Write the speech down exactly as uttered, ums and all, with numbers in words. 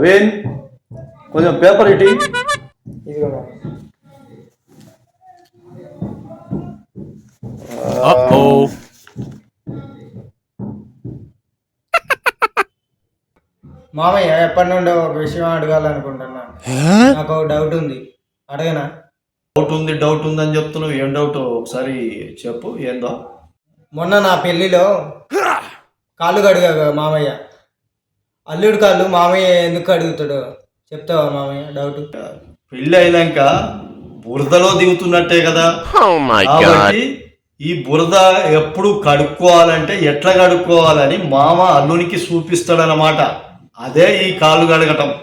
నవీన్ కొంచెం పేపర్ ఇటీ. ఇదిగో మామయ్య, ఎప్పటి నుండో ఒక విషయం అడగాలనుకుంటున్నాను. నాకు ఒక డౌట్ ఉంది, అడగనా? డౌట్ ఉంది డౌట్ ఉంది అని చెప్తున్నావు. ఏం డౌట్ ఒకసారి చెప్పు. ఏందో? మొన్న నా పెళ్లిలో కాళ్ళు కడిగా మామయ్య, అల్లుడు కాళ్ళు మామయ్య ఎందుకు అడుగుతాడు చెప్తావా మామయ్య? డౌట్. పెళ్ళి అయినాక బురదలో దిగుతున్నట్టే కదా. కాబట్టి ఈ బురద ఎప్పుడు కడుక్కోవాలంటే ఎట్లా కడుక్కోవాలని మామ అల్లునికి చూపిస్తాడనమాట. అదే ఈ కాళ్ళు కడగటం.